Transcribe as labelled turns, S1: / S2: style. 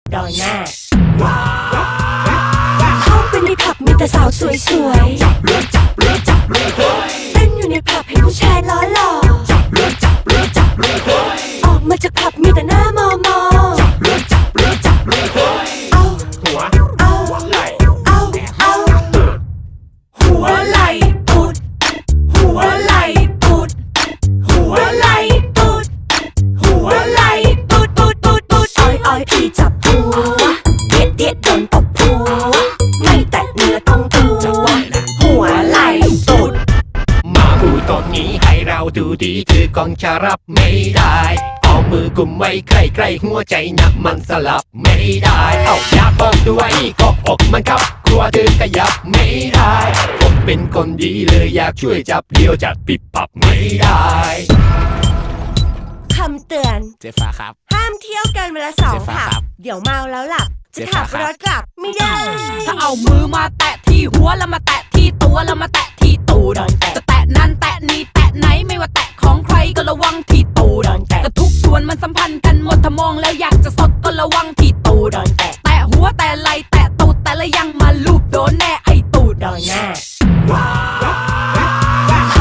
S1: ดอยหน้าเข้าไปในผับมีแต่สาวสวยๆเต้นอยู่ในผับเห็นผู้ชายล้อหล่อออกมาจากผับมีแต่หน้ามอมอเอาหัวเอาไหลเอาหัวไหลปุดหัวไหลปุดหัวไหลปุดหัวไหลปุดอ้อยพี่จับหัวเด็ดโดนตบหัวไม่แตะเนื้อต้องตัวหัวไหลปุด
S2: มาพูดตอนนี้ให้เราดูดีคือกองจะรับไม่ได้เอามือกุมไว้ใกล้ๆหัวใจนะมันสลับไม่ได้เอาอย่าบอกด้วยก็อกมันครับกลัวเธอขยับไม่ได้ผมเป็นคนดีเลยอยากช่วยจับเดียวจัดปิดปับไม่ได้
S1: คำเตือน
S3: เจ๊ฟ้าครับ
S1: ห้ามเที่ยวเกินเวลา2 ผับเดี๋ยวเมาแล้วหลับจะขับรถกลับไม่ได้
S4: ถ้าเอามือมาแตะที่หัวแล้วมาแตะที่ตัวแล้วมาแตะที่ตูดจะแตะนั้นแตะนี้แตะไหนไม่ว่าแตะของใครก็ระวังที่ตูดก็ทุกส่วนมันสัมพันธ์กันหมดถ้ามองแล้วอยากจะสดก็ระวังที่ตูดแตะหัวแตะไหลแตะตูดแต่ละยังมาลูบโดนแน่ไอ้ตูด
S1: ดอยหน้า